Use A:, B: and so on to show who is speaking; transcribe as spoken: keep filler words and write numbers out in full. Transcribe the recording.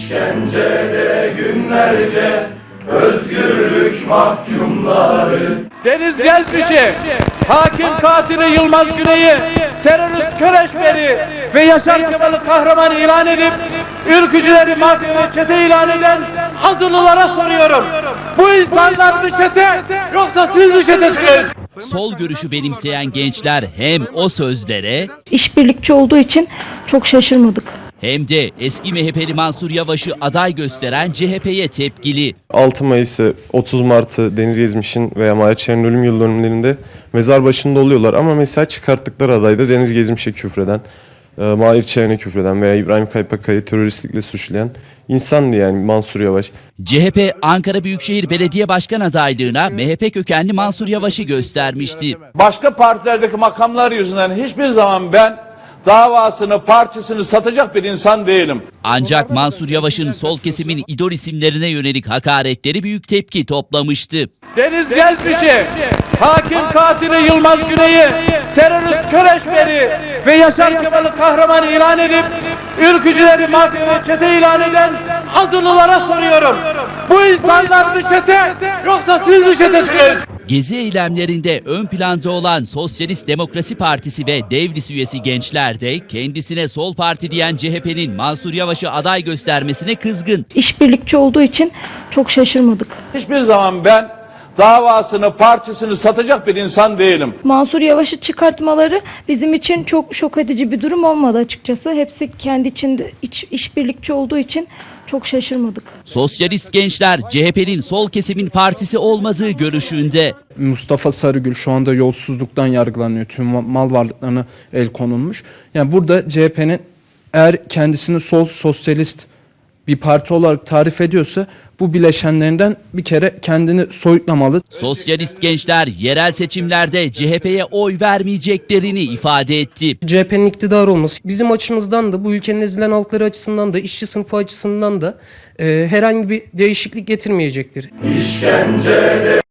A: İşkencede günlerce özgürlük mahkumları.
B: Deniz Gezmiş'i, hakim katili Yılmaz Güney'i, terörist Köreşber'i ve Yaşar Kemal'i kahraman ilan edip ülkücüleri mafya ve çete ilan eden azılılara soruyorum. Bu insanlar bir çete, yoksa siz bir çetesiniz.
C: Sol görüşü benimseyen gençler hem o sözlere
D: İşbirlikçi olduğu için çok şaşırmadık.
C: hem de eski M H P'li Mansur Yavaş'ı aday gösteren C H P'ye tepkili.
E: altı Mayıs'ı, otuz Mart'ı Deniz Gezmiş'in veya Mahir Çeren'in ölüm yıl dönümlerinde mezar başında oluyorlar. Ama mesela çıkarttıkları adayda Deniz Gezmiş'e küfreden, Mahir Çeren'e küfreden veya İbrahim Kaypakkay'ı teröristlikle suçlayan insandı yani Mansur Yavaş.
C: C H P Ankara Büyükşehir Belediye Başkan adaylığına M H P kökenli Mansur Yavaş'ı göstermişti.
B: Başka partilerdeki makamlar yüzünden hiçbir zaman ben davasını, partisini satacak bir insan değilim.
C: Ancak Mansur Yavaş'ın sol kesimin idol isimlerine yönelik hakaretleri büyük tepki toplamıştı.
B: Deniz Gezmiş'i, hakim katili Yılmaz Güney'i, terörist Köreşber'i ve Yaşar Kemal'i kahraman ilan edip ülkücüleri mafya ve çete ilan eden azılılara soruyorum. Bu insanlar bir çete, yoksa siz bir çetesiniz.
C: Gezi eylemlerinde ön planda olan Sosyalist Demokrasi Partisi ve Devlis üyesi gençler de kendisine sol parti diyen C H P'nin Mansur Yavaş'ı aday göstermesine kızgın.
D: İşbirlikçi olduğu için çok şaşırmadık.
B: Hiçbir zaman ben davasını, partisini satacak bir insan değilim.
D: Mansur Yavaş'ı çıkartmaları bizim için çok şok edici bir durum olmadı açıkçası. Hepsi kendi içinde iç, işbirlikçi olduğu için çok şaşırmadık.
C: Sosyalist gençler C H P'nin sol kesimin partisi olmadığı görüşünde.
F: Mustafa Sarıgül şu anda yolsuzluktan yargılanıyor. Tüm mal varlıklarına el konulmuş. Yani burada C H P'nin eğer kendisini sol sosyalist bir parti olarak tarif ediyorsa bu bileşenlerinden bir kere kendini soyutlamalı.
C: Sosyalist gençler yerel seçimlerde C H P'ye oy vermeyeceklerini ifade etti.
G: C H P'nin iktidar olması bizim açımızdan da bu ülkenin ezilen halkları açısından da işçi sınıfı açısından da e, herhangi bir değişiklik getirmeyecektir.
A: İşkencede